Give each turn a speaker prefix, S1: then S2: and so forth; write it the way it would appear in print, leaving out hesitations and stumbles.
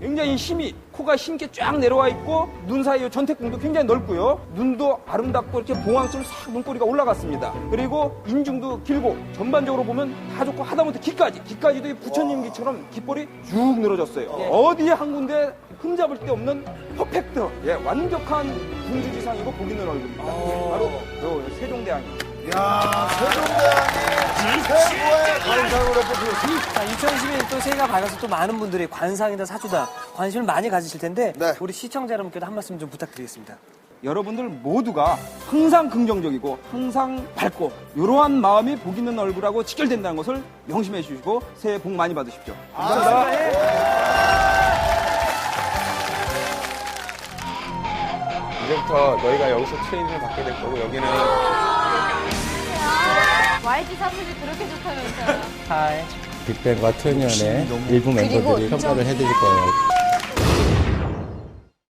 S1: 굉장히 힘이 코가 힘있게 쫙 내려와 있고 눈 사이 전태궁도 굉장히 넓고요. 눈도 아름답고 이렇게 봉황처럼 싹 눈꼬리가 올라갔습니다. 그리고 인중도 길고 전반적으로 보면 다 좋고 하다못해 귀까지도 이 부처님 귀처럼 귓볼이 쭉 늘어졌어요. 어디에 한 군데 흠잡을 데 없는 퍼펙트, 완벽한 궁주지상이고 복 있는 얼굴입니다. 바로 요 세종대왕입니다.
S2: 야, 세종대왕이 최고의 관상으로 뽑혔습니다.
S3: 자, 2021년 또 새해가 밝아서 또 많은 분들이 관상이다, 사주다 관심을 많이 가지실 텐데
S2: 네.
S3: 우리 시청자 여러분께도 한 말씀 좀 부탁드리겠습니다.
S1: 여러분들 모두가 항상 긍정적이고 항상 밝고 이러한 마음이 복 있는 얼굴하고 직결된다는 것을 명심해 주시고 새해 복 많이 받으십시오. 감사합니다.
S4: 이제부터 너희가 여기서 트레이닝을 받게 될 거고 여기는
S5: YG 사무실 그렇게 좋다면서요.
S3: 하이.
S6: 빅뱅과 트윈연의 일부 멤버들이 평가를 해드릴 거예요.